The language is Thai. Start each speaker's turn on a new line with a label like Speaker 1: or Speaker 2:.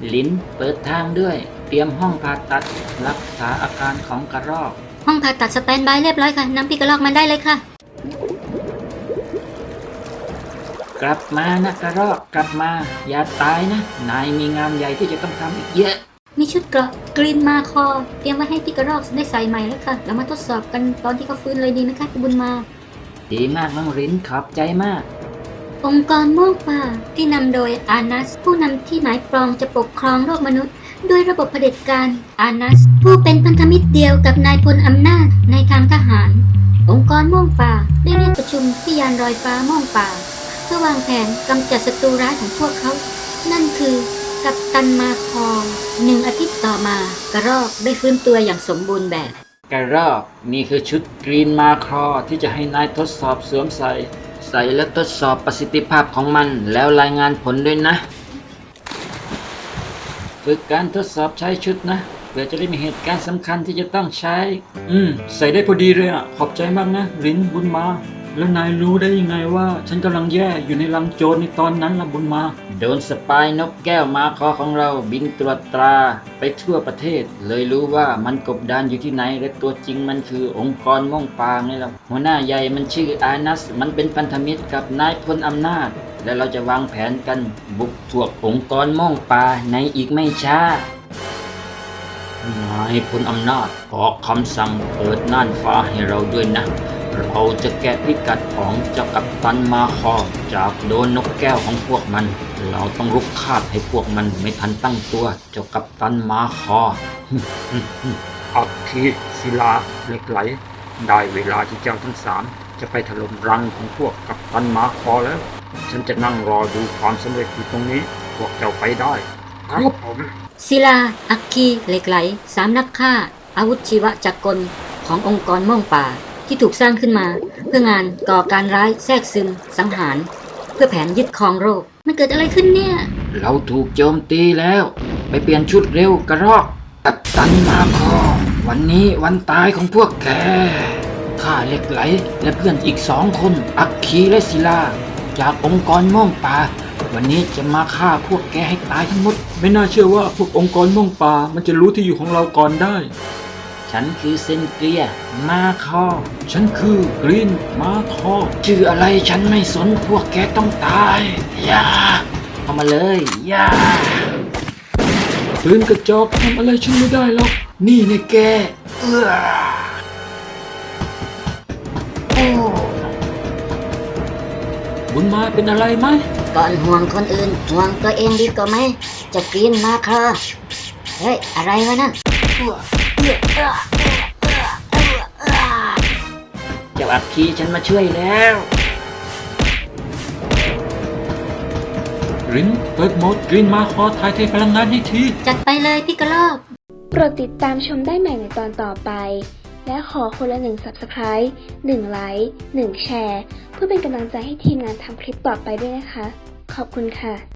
Speaker 1: ลิ้นเปิดทางด้วยเตรียมห้องผ่าตัดรักษาอาการของกระรอก
Speaker 2: ห้องผ่าตัดสแตนบายเรียบร้อยค่ะนำพี่กระรอกมาได้เลยค่ะ
Speaker 1: กลับมานะกระรอกกลับมาอย่าตายนะนายมีงานใหญ่ที่จะต้องทำอีกเยอะ
Speaker 2: มีชุดเกราะกรีนมาคอเตรียมไว้ให้พี่กระรอกได้ใส่ใหม่แล้วค่ะเรามาทดสอบกันตอนที่เขาฟื้นเลยดีไหมคะคุณบุญมา
Speaker 1: ดีมากน้องลิ้นขอบใจมาก
Speaker 2: องค์กรม่วงป่าที่นำโดยอานัสผู้นำที่หมายปองจะปกครองโลกมนุษย์ด้วยระบบเผด็จการอานัสผู้เป็นพันธมิตรเดียวกับนายพลอำนาจในทางทหารองค์กรม่วงป่าได้เรียกประชุมที่ยานลอยฟ้าม่วงป่าเพื่อวางแผนกำจัดศัตรูร้ายของพวกเขานั่นคือกัปตันมาคอ1 อาทิตย์ต่อมากระรอกได้ฟื้นตัวอย่างสมบูรณ์แบบ
Speaker 1: กระรอกนี่คือชุดกรีนมาคอที่จะให้นายทดสอบสวมใส่และทดสอบประสิทธิภาพของมันแล้วรายงานผลด้วยนะฝึกการทดสอบใช้ชุดนะเพื่อจะได้มีเหตุการณ์สำคัญที่จะต้องใช้ใส่ได้พอดีเลยอ่ะขอบใจมากนะลิ้นบุญมาแล้วนายรู้ได้ยังไงว่าฉันกำลังแย่อยู่ในรังโจรในตอนนั้นล่ะบุญมาโดนสปายนกแก้วมาคอของเราบินตรวจตราไปทั่วประเทศเลยรู้ว่ามันกบดานอยู่ที่ไหนและตัวจริงมันคือองค์กรม่วงปางนี่แหละหัวหน้าใหญ่มันชื่ออานัสมันเป็นพันธมิตรกับนายพลอำนาจและเราจะวางแผนกันบุกทวกองค์กรม่วงป่าในอีกไม่ช้านายพลอำนาจออกคำสั่งเปิดน่านฟ้าให้เราด้วยนะเราจะแกะพิกัดของเจ้ากัปตันมาคอจากโดนนกแก้วของพวกมันเราต้องรุกคาบให้พวกมันไม่ทันตั้งตัวเจ้ากัปตันมาคออัคคีศิลาเหล็กไหลได้เวลาที่เจ้าทั้งสามจะไปถล่มรังของพวกกัปตันมาคอแล้วฉันจะนั่งรอดูความสำเร็จอยู่ตรงนี้พวกเจ้าไปได้ครับผม
Speaker 2: ศิลาอัคคีเหล็กไหล3 นักฆ่าอาวุธชีวจักรขององค์กรม่วงป่าที่ถูกสร้างขึ้นมาเพื่องานก่อการร้ายแทรกซึมสังหารเพื่อแผนยึดครองโลกมันเกิดอะไรขึ้นเนี่ย
Speaker 1: เราถูกโจมตีแล้วไปเปลี่ยนชุดเร็วกระรอกกัปตันมาคอวันนี้วันตายของพวกแกข้าเหล็กไหลและเพื่อนอีก2 คนอัคคีและศิลาจากองค์กรม่วงป่าวันนี้จะมาฆ่าพวกแกให้ตายทั้งหมดไม่น่าเชื่อว่าพวกองค์กรม่วงป่ามันจะรู้ที่อยู่ของเราก่อนได้ฉันคือเซนเกียมาคอฉันคือกรีนมาคอชื่ออะไรฉันไม่สนพวกแกต้องตายอย่าเข้ามาเลยอย่าปืนกระจอกทำอะไรฉันไม่ได้หรอกนี่เนี่ยแกบุญมาเป็นอะไรไหม
Speaker 2: ก่อนห่วงคนอื่นห่วงตัวเองดีกว่าไหมจะกรีนมาคอเฮ้ยอะไรวะนั่น
Speaker 1: เจ้าอัคคีฉันมาช่วยแล้วรินเปิดโหมดกรีนมาคอถ่ายเทพลังงานให้ที
Speaker 2: จัดไปเลยพี่กระรอก
Speaker 3: โปรดติดตามชมได้ใหม่ในตอนต่อไปและขอคนละ1 Subscribe 1 ไลค์ 1 แชร์เพื่อเป็นกำลังใจให้ทีมงานทำคลิปต่อไปด้วยนะคะขอบคุณค่ะ